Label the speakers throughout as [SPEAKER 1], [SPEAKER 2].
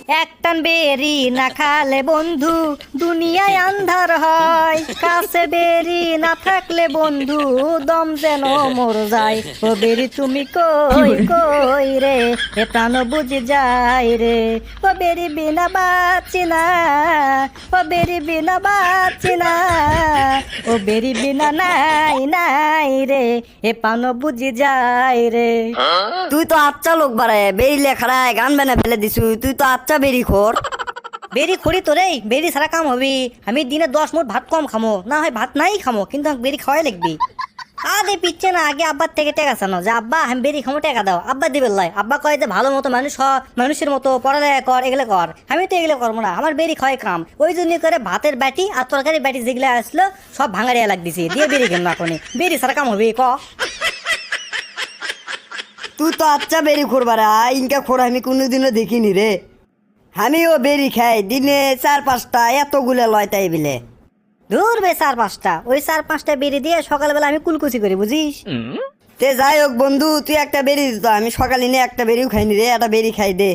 [SPEAKER 1] একটান বেরি না খালে বন্ধু দুনিয়ায় আন্ধার হয়, কাছে বেরি না থাকলে বন্ধু দম যেন মর যায়। ও বেরি তুমি কই কই রে, এ প্রাণ বুঝি যায় রে। ও বেরি বিনা বাঁচি না, ও বেরি বিনা বাঁচি না, ও বেরি বিনা নাই নাই রে, এ প্রাণ বুঝি যায় রে।
[SPEAKER 2] তুই তো আচ্ছা লোক বাড়ায় বেরি লেখারায় গান বানা ফেলে দিছু, তুই তো আচ্ছা বেরি খোর।
[SPEAKER 1] বেরি খড়ি তো রে, বেরি সারা কাম হবি। আমি দিনে 10 মুঠ ভাত কম খামো, না হয় ভাত নাই খামো, কিন্তু আমাকে বেরি খাওয়াই লাগবি। আদে পিচ্ছে না, আগে আব্বার থেকে টাকা চানো যে আব্বা আমি বেরি খামো, টাকা দাও। আব্বা দিবে লাই, আব্বা কয় যে ভালো মতো মানুষ হ, মানুষের মতো পড়ালেখা কর, এগুলো কর। আমি তো এগুলো করবো না, আমার বেরি খাওয়াই কাম। ওই জন্য করে ভাতের বাটি আর তরকারি বাটি যেগুলো আসলো সব ভাঙাড়িয়া লাগ দিছি, দিয়ে বেরি খেলাম এখন। বেরি সারা কাম হবি ক।
[SPEAKER 2] তুই তো আচ্ছা বেরি খোর বাড়া, ইনকা খোর আমি কোনোদিনও দেখিনি রে। আমিও বেরি খাই দিনে 4-5টা, এতগুলো লয় তাই বিলে।
[SPEAKER 1] দূর বে 4-5টা, ওই 4-5টা বেরি দিয়ে সকালবেলা আমি কুলকুচি করি, বুঝিস।
[SPEAKER 2] তে যাই হোক বন্ধু, তুই একটা বেরি দিত, আমি সকালে নিয়ে একটা বেরিও খাইনি রে, একটা বেরি খাই দে।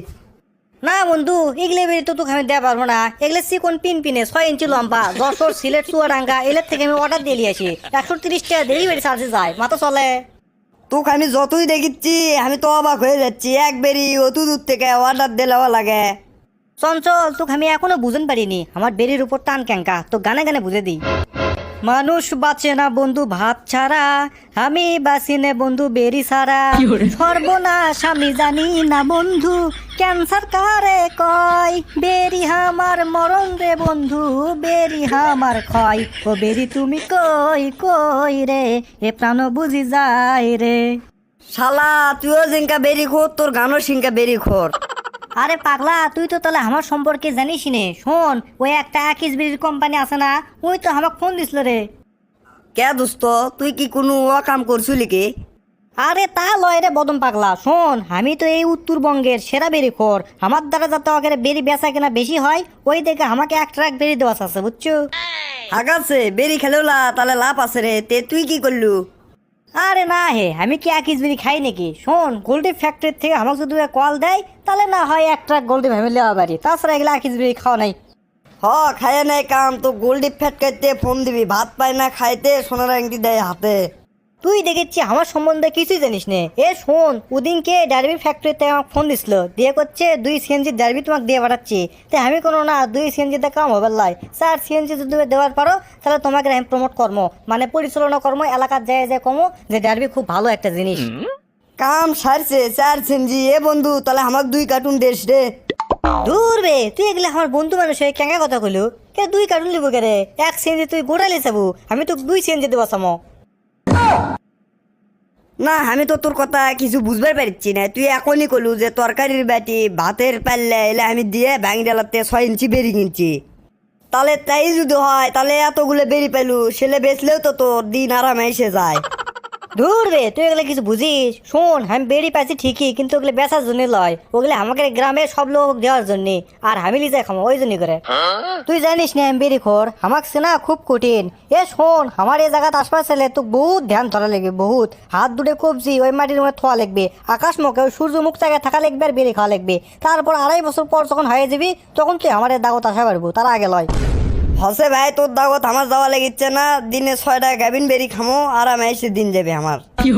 [SPEAKER 1] না বন্ধু, এগুলো বেরি তো তোকে আমি দেওয়া পারবো না। এগুলো চিকন পিন পিনে 6 ইঞ্চি লম্বা, যশোর সিলেট চুয়াডাঙ্গা এগুলোর থেকে আমি অর্ডার দিয়ে আসি। 130 টাকা ডেলিভারি চার্জে যায়, মাথা চলে।
[SPEAKER 2] তোকে আমি যতই দেখিচ্ছি আমি তো অবাক হয়ে যাচ্ছি, এক বেরি অত দূর থেকে অর্ডার দিলেও লাগে।
[SPEAKER 1] চঞ্চল, তোকে আমি এখনো বুঝতে পারিনি আমার বেরির উপর টান ক্যাঙ্কা, তো গানে গানে বুঝে দিই। মানুষ বাঁচে না বন্ধু ভাত ছাড়া, আমি বাঁচি না বন্ধু বেরি ছাড়া। সর্বনাশ আমি জানি না বন্ধু, ক্যান্সার কারে কয়। বেরি আমার মরণ রে বন্ধু, বেরি আমার ক্ষয়। ও বেরি তুমি কই কই রে, এ প্রাণ বুঝি যায় রে।
[SPEAKER 2] শালা তুইও জিঙ্কা বেরি খোর, তোর গানও সিঙ্কা বেরি খোর।
[SPEAKER 1] আরে পাগলা, তুই তো তাহলে আমার সম্পর্কে জানিস নে। শোন, ওই একটা আকিস বিড়ির কোম্পানি আছে না, ওই তো আমাকে ফোন দিছিল রে।
[SPEAKER 2] কে দোস্ত, তুই কি কোনো কাম করছিলি কি?
[SPEAKER 1] আরে তা লয় রে বদম পাগলা, শোন আমি তো এই উত্তরবঙ্গের সেরা বেরি খোর। আমার দ্বারা যাতে ওকে বেরি বেচা কেনা বেশি হয়, ওই দেখে আমাকে 1 ট্রাক বেরি দেওয়া আছে, বুঝছো।
[SPEAKER 2] আগাছে বেরি খেলেওলা তাহলে লাভ আছে রে, তে তুই কি করলু?
[SPEAKER 1] আরে না হে, আমি কি আকিস বিড়ি খাই নাকি? শোন, গোল্ডি ফ্যাক্টরি থেকে আমাকে যদি কল দেয় তাহলে না হয় 1 ট্রাক গোল্ডি ভেবে নেওয়া পারি, তাছাড়া এগুলো আকিস বিড়ি খাওয়া নাই।
[SPEAKER 2] খায় নাই কাম তো গোল্ডি ফ্যাট খাইতে ফোন দিবি, ভাত পায় না খাইতে সোনার আংটি দেয় হাতে।
[SPEAKER 1] তুই দেখেছি আমার সম্বন্ধে কিছুই জানিস নে। এ শোন, ওদিনকে ডারবি ফ্যাক্টরিতে আমাকে ফোন দিছিল, দিয়ে করছে 2 সিএনজি ডারবি তোমাকে দিয়ে পাঠাচ্ছি। তাই আমি কোনো না 2 সিএনজিতে কাম হবে লাই, 4 সিএনজি যদি দেওয়ার পারো তাহলে তোমাকে আমি প্রমোট কর্ম মানে পরিচালনা কর্ম এলাকার যায় যায় কমো যে ডারবি খুব ভালো একটা জিনিস।
[SPEAKER 2] কাম সারছে 4 সেনজি। এ বন্ধু তাহলে আমাকে 2 কার্টুন দেশ রে।
[SPEAKER 1] দূর বে, তুই এগুলো আমার বন্ধু মানুষ হয়ে কেঙ্গা কথা কইলু। কে 2 কার্টুন লিবো কে রে? 1 সিএনজি তুই গোড়ালি চাবু, আমি তো 2 সিএনজি দেবো সামো।
[SPEAKER 2] না আমি তো তোর কথা কিছু বুঝবার পারছি না, তুই এখনই কলু যে তরকারির বাটি ভাতের পাল্লা এলে আমি দিয়ে ভাঙি ডালাতে 6 ইঞ্চি বেরি কিনছি। তাহলে তাই যদি হয় তাহলে এতগুলো বেরি পেলু, সেলে বেচলেও তো তোর দিন আরামে এসে যায়।
[SPEAKER 1] দূর রে, তুই এগুলো কিছু বুঝিস। শোন, আমি বেরি পাইছি ঠিকই, কিন্তু ওগুলো বেচার জন্য লয়, ওগুলো আমাকে গ্রামের সব লোক দেওয়ার জন্য, আর আমি লিজে খামো ওই জন্য করে। তুই জানিস না আমি বেরি খোর, আমাকে চেনা খুব কঠিন। এ শোন, আমার এই জায়গাতে আসবার ছেলে তো বহুত ধ্যান ধরা লাগবে, বহুত হাত দুটো কবজি ওই মাটির মধ্যে থোয়া লাগবে, আকাশ মুখে ওই সূর্য মুখ জায়গায় থাকা লাগবে, আর বেরি খাওয়া লাগবে। তারপর 2.5 বছর পর যখন হয়ে যাবি তখন তুই আমার দাগত আসা পারবো, তার আগে লয়।
[SPEAKER 2] হসে ভাই, তোর দাগত আমার যাওয়া লেগেছে না, দিনে 6টা গাভিন বেরি খামো আরামে এসে দিন যাবে আমার।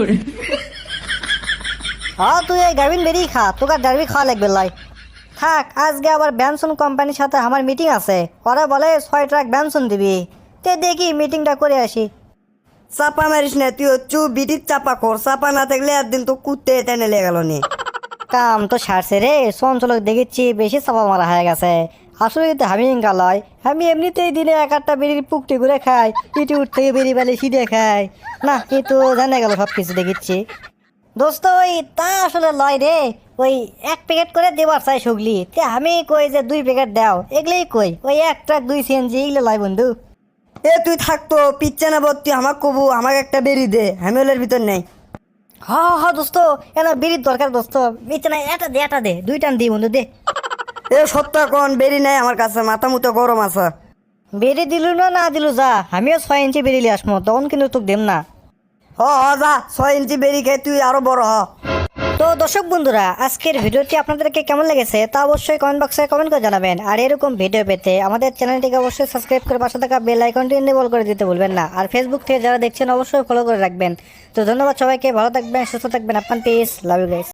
[SPEAKER 1] হ্যাঁ, তুই এই গাভিন বেরি খা, তোকে ডারবি খাওয়া লাগবে লাই। থাক, আজকে আবার ব্যানসন কোম্পানির সাথে আমার মিটিং আছে, ওরা বলে 6 ট্রাক ব্যানসন দিবি। তে দেখি মিটিংটা করে আসি।
[SPEAKER 2] চাপা মারিস না, তুই হচ্ছু বিটির চাপা কর, চাপা না থাকলে একদিন তো কুত্তে টেনে লেগে গেল নি।
[SPEAKER 1] কাম তো সারছে রে, চঞ্চলক দেখেছি বেশি চাপা মারা হয়ে গেছে। আসলে তো আমি ইঙ্গা লয়, আমি এমনিতেই দিনে 1-8টা বেরির পুকটি করে খাই, ইটি উঠ থেকে বেরি বেলে সিঁড়ে খাই না, কিন্তু জানা গেল সব কিছু দেখেছি। দোস্ত ওই তা আসলে লয় রে, ওই 1 প্যাকেট করে দেবার চাই সুগলি, তে আমি কই যে 2 প্যাকেট দাও, এগুলোই কই ওই 1 ট্রাক 2 সিএনজি এগুলো লয় বন্ধু।
[SPEAKER 2] এ তুই থাকতো পিচ্ছে না বল, তুই আমাকে কবু আমাকে একটা বেরি দে, আমি ওলের ভিতর নেই।
[SPEAKER 1] হ দোস্ত, এনা বেরির দরকার দোস্ত, মিচ্ছে না, এটা দে 2 টান দি বন্ধু দে।
[SPEAKER 2] এ সত্য কোন বেরি নাই আমার কাছে, মাথা মুতো গরম আছে।
[SPEAKER 1] বেরি দিলু না দিলু যা, আমিও 6 ইঞ্চি বেরিয়ে আসবো, তখন কিন্তু তোকে দেম না।
[SPEAKER 2] হ যা, 6 ইঞ্চি বেরি খাই তুই আরো বড় হ।
[SPEAKER 1] তো দর্শক বন্ধুরা, আজকের ভিডিওটি আপনাদেরকে কেমন লেগেছে তা অবশ্যই কমেন্ট বক্সে কমেন্ট করে জানাবেন। আর এরকম ভিডিও পেতে আমাদের চ্যানেলটিকে অবশ্যই সাবস্ক্রাইব করে পাশে থাকা বেল আইকনটি এনেবল করে দিতে ভুলবেন না। আর ফেসবুক থেকে যারা দেখছেন অবশ্যই ফলো করে রাখবেন। তো ধন্যবাদ সবাইকে, ভালো থাকবেন, সুস্থ থাকবেন, আপনার পিস, লাভ ইউ গাইস।